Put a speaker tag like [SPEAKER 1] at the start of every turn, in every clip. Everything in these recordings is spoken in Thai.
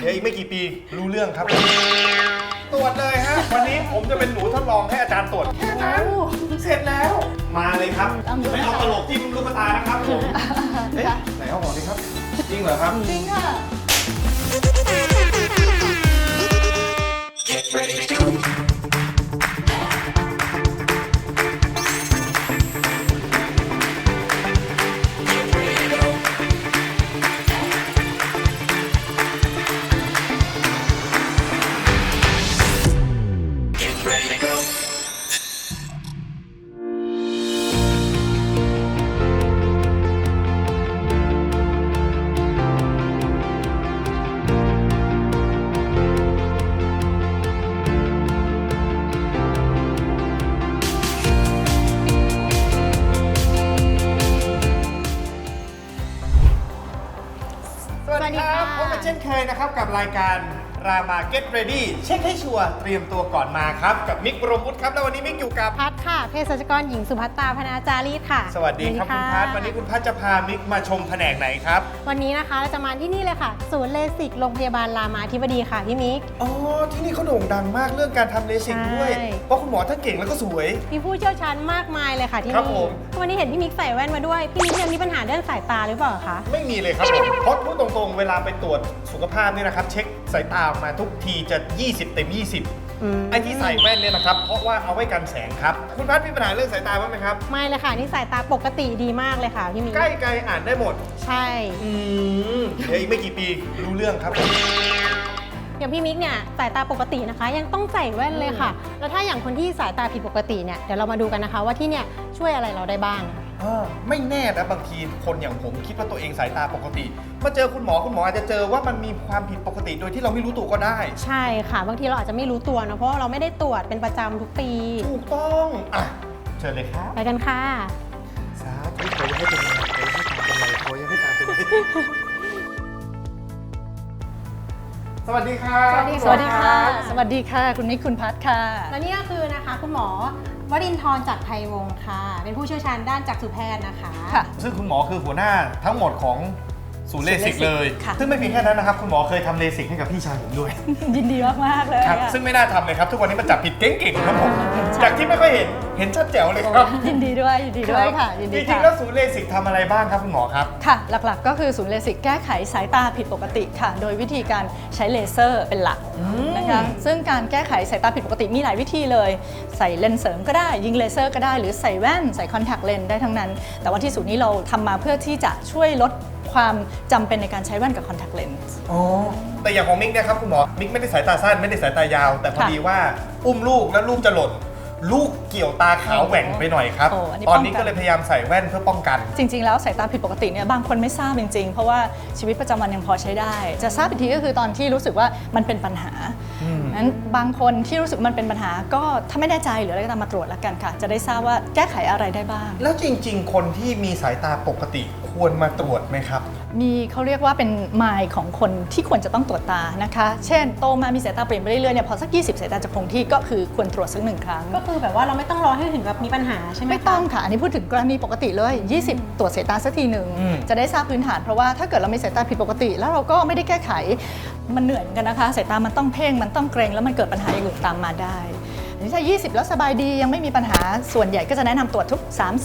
[SPEAKER 1] เดี๋ยวอีกไม่กี่ปีรู้เรื่องครับตรวจเลยฮะวันนี้ผมจะเป็นหนูทดลองให้อาจารย์ตรวจแค่นั้นเสร็จแล้วมาเลยครับไม่เอาตลกจิ้มลูกตานะครับผมเอ๊ะไหนเอาหมอดิครับจริงเหรอครับ
[SPEAKER 2] จริงค่ะ
[SPEAKER 1] สวัสดีครับพบกันเช่นเคยนะครับกับรายการรามา Get Ready เช็คให้ชัวร์เตรียมตัวก่อนมาครับกับมิกบรมวุฒิครับแล้ววันนี้มิกอยู่กับ
[SPEAKER 2] พัดค่ะเภสัชกรหญิงสุภัตตาพนาจารีตค่ะ
[SPEAKER 1] สวัสดีครับคุณพัดวันนี้คุณพัดจะพามิกมาชมแผนกไหนครับ
[SPEAKER 2] วันนี้นะคะเราจะมาที่นี่เลยค่ะศูนย์เลสิกโรงพยาบาลรามาธิบดีค่ะพี่มิก
[SPEAKER 1] อ๋อที่นี่เขาโด่งดังมากเรื่องการทำเลสิกด้วยเพราะคุณหมอท่านเก่งแล้วก็สวย
[SPEAKER 2] มีผู้เชี่ยวชาญมากมายเลยค่ะที่
[SPEAKER 1] นี่
[SPEAKER 2] วันนี้เห็นพี่มิกใส่แว่นมาด้วยพี่มิกยังมีปัญหาเรื่องสายตาหรือเปล่าคะ
[SPEAKER 1] ไม่มีเลยครับผมเพราะพูดตรงๆเวลาไปตรวจสุขภาพเนี่ยนะครับเช็คสายตาออกมาทุกทีจะ20 เต็ม 20ไอ้ที่ใส่แว่นเนี่ยนะครับเพราะว่าเอาไว้กันแสงครับคุณพัดมีปัญหาเรื่องสายตาบ้างไหมครับ
[SPEAKER 2] ไม่เลยค่ะนี่สายตาปกติดีมากเลยค่ะพี่มิก
[SPEAKER 1] ใกล้ไกลอ่านได้หมด
[SPEAKER 2] ใช่
[SPEAKER 1] เดี๋ยวอีกไม่กี่ปีรู้เรื่องครับ
[SPEAKER 2] อย่างพี่มิกเนี่ยสายตาปกตินะคะยังต้องใส่แว่นเลยค่ะแล้วถ้าอย่างคนที่สายตาผิดปกติเนี่ยเดี๋ยวเรามาดูกันนะคะว่าที่เนี่ยช่วยอะไรเราได้บ้าง
[SPEAKER 1] ไม่แน่นะบางทีคนอย่างผมคิดว่าตัวเองสายตาปกติมาเจอคุณหมออาจจะเจอว่ามันมีความผิดปกติโดยที่เราไม่รู้ตัวก็ได้
[SPEAKER 2] ใช่ค่ะบางทีเราอาจจะไม่รู้ตัวนะเพราะว่าเราไม่ได้ตรวจเป็นประจำทุกปี
[SPEAKER 1] ถูกต้องเชิญเลยครับ
[SPEAKER 2] ไปกันค่ะ
[SPEAKER 1] สาธุขอให้เป็นไรขอให้ตามเป็นไรสวัสดีค่ะ
[SPEAKER 3] สวัสดีค่ะสวัสดีค่ะคุณนิกคุณพัดค่ะ
[SPEAKER 2] และนี่ก็คือนะคะคุณหมอวรินทร์จักรไทยวงศ์ค่ะเป็นผู้เชี่ยวชาญด้านจักษุแพทย์นะคะ
[SPEAKER 1] ซึ่งคุณหมอคือหัวหน้าทั้งหมดของศูนย์เลสิกเลยซึ่งไม่เพียงแค่นั้นนะครับคุณหมอเคยทำเลสิกให้กับพี่ชายผมด้วย
[SPEAKER 3] ยินดีมากๆเลย
[SPEAKER 1] ครับซึ่งไม่น่าทำเลยครับทุกวันนี้มันจับผิดเก่งๆครับผมจากที่ไม่ค่อยเห็นชัดแจ๋วเลยครับ
[SPEAKER 3] ยินดีด้วยค่ะยินดี
[SPEAKER 1] จริงๆแล้วศูนย์เลสิกทำอะไรบ้างครับคุณหมอครับ
[SPEAKER 3] ค่ะหลักๆก็คือศูนย์เลสิกแก้ไขสายตาผิดปกติค่ะโดยวิธีการใช้เลเซอร์เป็นหลักนะคะซึ่งการแก้ไขสายตาผิดปกติมีหลายวิธีเลยใส่เลนส์เสริมก็ได้ยิงเลเซอร์ก็ได้หรือใส่แว่นใส่คอนแทคเลนส์ได้ทั้งนั้นแต่ว่าที่ศูนย์นี้เราทำมาเพื่อที่จะช่วยลดความจำเป็นในการใช้แว่นกับคอนแทคเลนส์
[SPEAKER 1] แต่อย่างของมิกเนี่ยครับคุณหมอมิกไม่ได้สายตาสั้นไม่ได้สายตายาวแต่พอดีว่าอุ้มลูกแล้วลูกจะหล่นลูกเกี่ยวตาขาวแหว่งไปหน่อยครับตอนนี้ก็เลยพยายามใส่แว่นเพื่อป้องกัน
[SPEAKER 3] จริงๆแล้วสายตาผิดปกติเนี่ยบางคนไม่ทราบจริงๆเพราะว่าชีวิตประจำวันยังพอใช้ได้จะทราบอีกทีก็คือตอนที่รู้สึกว่ามันเป็นปัญหานั้นบางคนที่รู้สึกมันเป็นปัญหาก็ถ้าไม่แน่ใจหรืออะไรก็ตามมาตรวจแล้วกันค่ะจะได้ทราบว่าแก้ไขอะไรได้บ้าง
[SPEAKER 1] แล้วจริงๆคนที่มีสายตาปกติควรมาตรวจไหมครับ
[SPEAKER 3] มีเขาเรียกว่าเป็นมายของคนที่ควรจะต้องตรวจตานะคะเช่นโตมามีสายตาเปลี่ยนไปเรื่อยๆเนี่ยพอสัก20สายตาจะคงที่ก็คือควรตรวจสัก1 ครั้ง
[SPEAKER 2] ก็คือแบบว่าเราไม่ต้องรอให้ถึงกับมีปัญหาใช่ไหม
[SPEAKER 3] ไม่ต้องค่ะอันนี้พูดถึงกรณีปกติเลย20ตรวจสายตาสักทีหนึ่งจะได้ทราบพื้นฐานเพราะว่าถ้าเกิดเรามีสายตาผิดปกติแล้วเราก็ไม่ได้แก้ไขมันเหนื่อยเหมือนกันนะคะสายตามันต้องเพ่งมันต้องเกรงแล้วมันเกิดปัญหาอย่างอื่นตามมาได้ถ้า20แล้วสบายดียังไม่มีปัญหาส่วนใหญ่ก็จะแนะนำตรวจทุก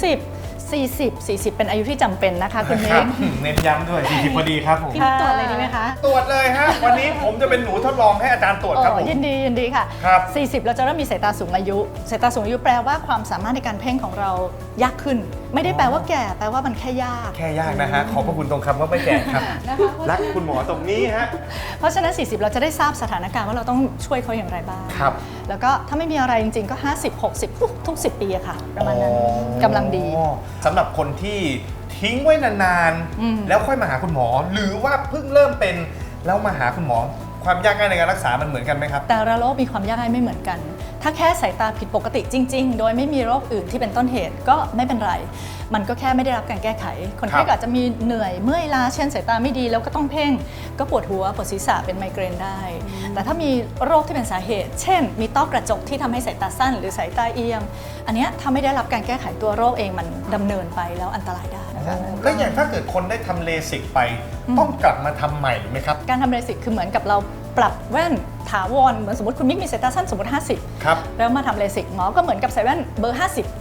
[SPEAKER 3] 40เป็นอายุที่จำเป็นนะคะคุณนิก
[SPEAKER 1] เน้นย้ำด้วย40พอดีครับผม
[SPEAKER 2] ตรวจเลยดีไหมคะ
[SPEAKER 1] ตรวจเลยฮะวันนี้ผมจะเป็นหนูทดลองให้อาจารย์ตรวจครับผม
[SPEAKER 3] ยินดีค่ะ40เราจะเริ่มมีสายตาสูงอายุสายตาสูงอายุแปลว่าความสามารถในการเพ่งของเรายากขึ้นไม่ได้แปลว่าแก่แปลว่ามันแค่ยาก
[SPEAKER 1] นะฮะขอบพระคุณตรงคำว่าไม่แก่ครับรักคุณหมอตรงนี้ฮะ
[SPEAKER 3] เพราะฉะนั้น40เราจะได้ทราบสถานการณ์ว่าเราต้องช่วยเขาอย่างไรบ้างแล้วก็ถ้าไม่มีอะไรจริงๆก็50-60ทุก10 ปีอะค่ะประมาณนั้นกำลังดี
[SPEAKER 1] สำหรับคนที่ทิ้งไว้นานๆแล้วค่อยมาหาคุณหมอหรือว่าเพิ่งเริ่มเป็นแล้วมาหาคุณหมอความยากง่ายในการรักษามันเหมือนกันไหมครับ
[SPEAKER 3] แต่ละโรคมีความยากง่ายไม่เหมือนกันถ้าแค่สายตาผิดปกติจริงๆโดยไม่มีโรคอื่นที่เป็นต้นเหตุก็ไม่เป็นไรมันก็แค่ไม่ได้รับการแก้ไขคนไข้อาจจะมีเหนื่อยเมื่อยล้าเช่นสายตาไม่ดีแล้วก็ต้องเพ่งก็ปวดหัวปวดศีรษะเป็นไมเกรนได้แต่ถ้ามีโรคที่เป็นสาเหตุเช่นมีต้อกระจกที่ทำให้สายตาสั้นหรือสายตาเอียงอันนี้ถ้าไม่ได้รับการแก้ไขตัวโรคเองมันดำเนินไปแล้วอันตรายได้ค่ะ
[SPEAKER 1] แล้วอย่างถ้าเกิดคนได้ทำเลสิกไป ต้องกลับมาทำใหม่ไหมครับ
[SPEAKER 3] การทำเลสิกคือเหมือนกับเราปรับแว่นถาวรเหมือนสมมติคุณมิกมีสายตาสั้นสมมติ 50
[SPEAKER 1] ครับ
[SPEAKER 3] แล้วมาทำเลสิกหมอก็เหมือนกับใส่แว่นเบอร์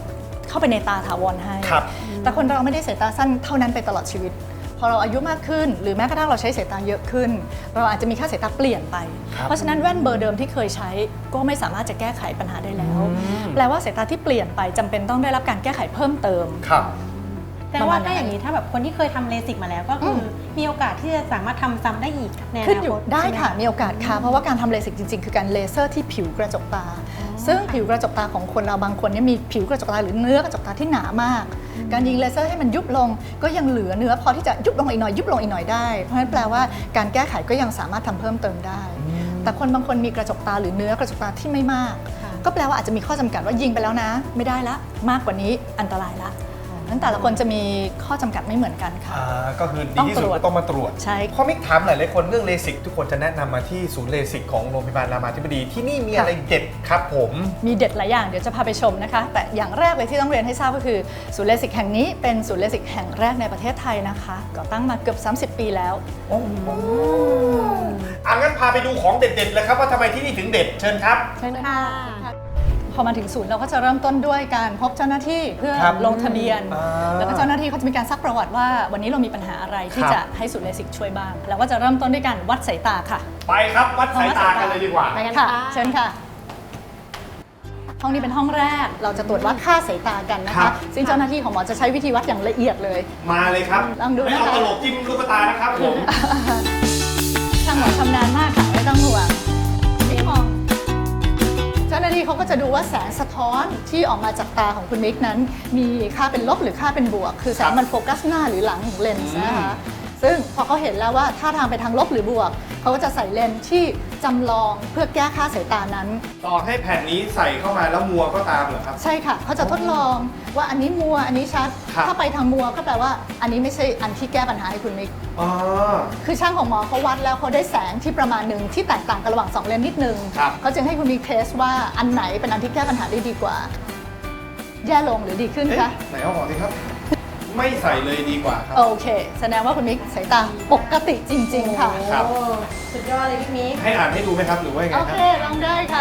[SPEAKER 3] 50 เข้าไปในตาถาวรให้
[SPEAKER 1] ครับ
[SPEAKER 3] แต่คนเราไม่ได้สายตาสั้นเท่านั้นไปตลอดชีวิต พอเราอายุมากขึ้น หรือแม้กระทั่งเราใช้สายตาเยอะขึ้น เราอาจจะมีค่าสายตาเปลี่ยนไป เพราะฉะนั้นแว่นเบอร์เดิมที่เคยใช้ก็ไม่สามารถจะแก้ไขปัญหาได้แล้ว แปลว่าสายตาที่เปลี่ยนไปจำเป็นต้องได้รับการแก้ไขเพิ่มเติม
[SPEAKER 1] ครับ
[SPEAKER 2] แต่ว่าถ้าอย่างนี้ถ้าแบบคนที่เคยทำเลสิกมาแล้วก็คือมีโอกาสที่จะสามารถทำซ้ำได้อีกในอ
[SPEAKER 3] ขึ้น
[SPEAKER 2] นา
[SPEAKER 3] อยู่
[SPEAKER 2] คต
[SPEAKER 3] ได้
[SPEAKER 2] ใช่หม
[SPEAKER 3] ค่ะมีโอกาสค่ะเพราะว่าการทำเลสิกจริงๆ คือการเลเซอร์ที่ผิวกระจกตา ซึ่งผิวกระจกตาของคนเราบางคนเนี่ยมีผิวกระจกตาหรือเนื้อกระจกตาที่หนามาก การยิงเลเซอร์ให้มันยุบลงก็ยังเหลือเนื้อพอที่จะยุบลงอีกหน่อยยุบลงอีกหน่อยได้เพราะฉะนั้นแปลว่าการแก้ไขก็ยังสามารถทำเพิ่มเติมได้ แต่คนบางคนมีกระจกตาหรือเนื้อกระจกตาที่ไม่มาก ก็แปลว่าอาจจะมีข้อจำกัดว่ายิงไปแล้วนะ ไม่ได้ละมากกว่านี้อันตรายละนั้นแต่ละคนจะมีข้อจำกัดไม่เหมือนกันค่ะ
[SPEAKER 1] ก็คือดีที่สุดก็ต้องมาตรวจ
[SPEAKER 3] ใช่
[SPEAKER 1] พอมิกถามหลายๆคนเรื่องเลสิกทุกคนจะแนะนำมาที่ศูนย์เลสิกของโรงพยาบาลรามาธิบดีที่นี่มีอะไรเด็ดครับผม
[SPEAKER 3] มีเด็ดหลายอย่างเดี๋ยวจะพาไปชมนะคะ แต่อย่างแรกเลยที่ต้องเรียนให้ทราบก็คือศูนย์เลสิกแห่งนี้เป็นศูนย์เลสิกแห่งแรกในประเทศไทยนะคะก่อตั้งมาเกือบ 30 ปีแล้ว
[SPEAKER 1] โอ้โหงั้นพาไปดูของเด็ดๆเลยครับว่าทำไมที่นี่ถึงเด็ดเชิญครับ
[SPEAKER 2] เชิญค่ะ
[SPEAKER 3] พอมาถึงศูนย์เราก็จะเริ่มต้นด้วยการพบเจ้าหน้าที่เพื่อ
[SPEAKER 1] ครับ
[SPEAKER 3] ลงทะเบียน แล้วก็เจ้าหน้าที่เขาจะมีการซักประวัติว่าวันนี้เรามีปัญหาอะไรที่
[SPEAKER 1] ครับ
[SPEAKER 3] จะให้ศูนย์เลสิกช่วยบ้างแล้วก็จะเริ่มต้นด้วยการวัดสายตาค่ะ
[SPEAKER 1] ไปครับวัดสายตากันเลยดีกว่า
[SPEAKER 2] ไปกัน
[SPEAKER 3] ค่ะ
[SPEAKER 2] ค่ะ
[SPEAKER 3] เชิญค่ะ ห้องนี้เป็นห้องแรกเราจะตรวจวัดค่าสายตากันนะ
[SPEAKER 1] ครั
[SPEAKER 3] คะ
[SPEAKER 1] บ
[SPEAKER 3] ซึ่งเจ้าหน้าที่ของหมอจะใช้วิธีวัดอย่างละเอียดเลย
[SPEAKER 1] มาเลยครับ
[SPEAKER 3] ลองดูนะคะ
[SPEAKER 1] ไม่เอาตลกจิ้มลูกตานะครับผม
[SPEAKER 3] ช่างหมอชำนาญมากค่ะไม่ต้องห่วงนี่มอง เจ้าหน้าที่เขาก็จะดูว่าแสงสะท้อนที่ออกมาจากตาของคุณมิกนั้น มีค่าเป็นลบหรือค่าเป็นบวก คือแสงมันโฟกัสหน้าหรือหลังของเลนส์นะคะซึ่งพอเขาเห็นแล้วว่าท่าทางไปทางลบหรือบวก เขาก็จะใส่เลนส์ที่จำลองเพื่อแก้ค่าสายตานั้น
[SPEAKER 1] ต่อให้แผ่นนี้ใส่เข้ามาแล้วมัวก็ตามเหรอครับ
[SPEAKER 3] ใช่ค่ะเขาจะทดลองว่าอันนี้มัวอันนี้ชัด
[SPEAKER 1] ครับ
[SPEAKER 3] ถ้าไปทางมัวก็แปลว่าอันนี้ไม่ใช่อันที่แก้ปัญหาให้คุณมิก
[SPEAKER 1] อ๋อ
[SPEAKER 3] คือช่างของหมอเขาวัดแล้วเขาได้แสงที่ประมาณหนึ่งที่แตกต่างกันระหว่าง2เลนส์นิดนึง
[SPEAKER 1] ครับ
[SPEAKER 3] เขาจึงให้คุณมิกเทสว่าอันไหนเป็นอันที่แก้ปัญหาได้ดีกว่า แย่ลงหรือดีขึ้น
[SPEAKER 1] เอ๊ะ
[SPEAKER 3] คะ
[SPEAKER 1] ไหนเอาออกสิครับ ไม่ใส่เลยดีกว่าครับ
[SPEAKER 3] โอเค แสดงว่าคุณมิกสายตาปกติจริง ๆ ค่ะ
[SPEAKER 1] ครับ
[SPEAKER 2] โอ้สุดยอดเลยพี่มิก
[SPEAKER 1] ให้อ่านให้ดูไหมครับหรือว่ายังไง
[SPEAKER 3] โอ
[SPEAKER 1] ค
[SPEAKER 3] เครับ ลองได้ค่ะ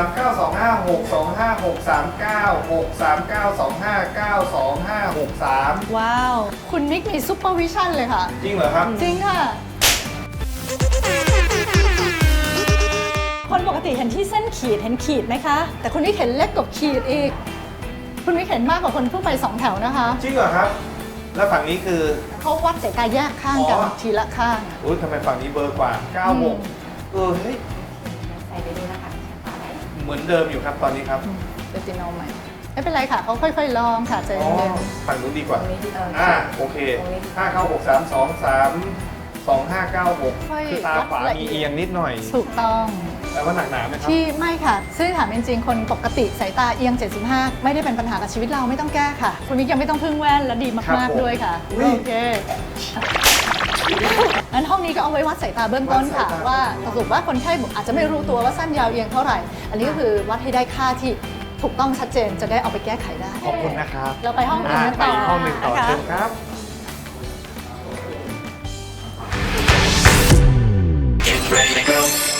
[SPEAKER 1] 3925625639639635925563
[SPEAKER 3] ว้าว คุณมิกมีซูเปอร์วิชั่นเลยค่ะ
[SPEAKER 1] จริงเหรอครับ
[SPEAKER 3] จริงค่ะ คนปกติเห็นที่เส้นขีดเห็นขีดไหมคะ แต่คุณมิกเห็นเล็กกว่าขีดอีก คุณมิกเห็นมากกว่าคนทั่วไป2แถวนะคะ
[SPEAKER 1] จริงเหรอครับ แล้วฝั่งนี้คือ
[SPEAKER 3] เขาวัดสายตาแยกข้างกัน
[SPEAKER 1] อ๋อ
[SPEAKER 3] ทีละข้าง
[SPEAKER 1] อุ้ยทำไมฝั่งนี้เบอร์กว่า 96เฮ้ย
[SPEAKER 2] ใส่ไปดูนะคะ
[SPEAKER 1] เหมือนเดิมอยู่ครับตอนนี้ครับ
[SPEAKER 3] เดติโนใหม่ไม่เป็นไรค่ะเขาค่อยๆ ลองค่ะใจ
[SPEAKER 1] อ๋อ
[SPEAKER 3] เย็น
[SPEAKER 1] ฝั่งนู้นดีกว่า
[SPEAKER 2] ตรงนี้ดี
[SPEAKER 1] โอเค59632325596คือตาขวามีเอียงนิดหน่อย
[SPEAKER 3] ๆถูกต้อง
[SPEAKER 1] แต่ว่าหนักหนาไหมครับ
[SPEAKER 3] ที่ไม่ค่ะ ซึ่งถามจริงๆ คนปกติสายตาเอียง 75 ไม่ได้เป็นปัญหากับชีวิตเราไม่ต้องแก้ค่ะ คุณมิกยังไม่ต้องพึ่งแว่นและดี
[SPEAKER 1] ครับ
[SPEAKER 3] มาก
[SPEAKER 1] ผม
[SPEAKER 3] ๆ ด้วยค่ะ
[SPEAKER 1] อุ๊ย
[SPEAKER 3] โอเคงั้นห้องนี้ก็เอาไว้วัดสายตาเบื้องต้นค่ะ
[SPEAKER 1] วัดสายตา
[SPEAKER 3] ว่าสรุปว่าคนไข้อาจจะไม่รู้ตัวว่าสั้นยาวเอียงเท่าไหร่ อันนี้ก็คือวัดให้ได้ค่าที่ถูกต้องชัดเจนจะได้เอาไปแก้ไขได้
[SPEAKER 1] ขอบคุณนะครับ
[SPEAKER 3] เราไปห้องอื่นกัน
[SPEAKER 1] ไป
[SPEAKER 3] ต่อ
[SPEAKER 1] อีกห้องหนึ่งต่อ
[SPEAKER 3] นะคะ
[SPEAKER 1] เชิญครับ
[SPEAKER 4] Get ready to go.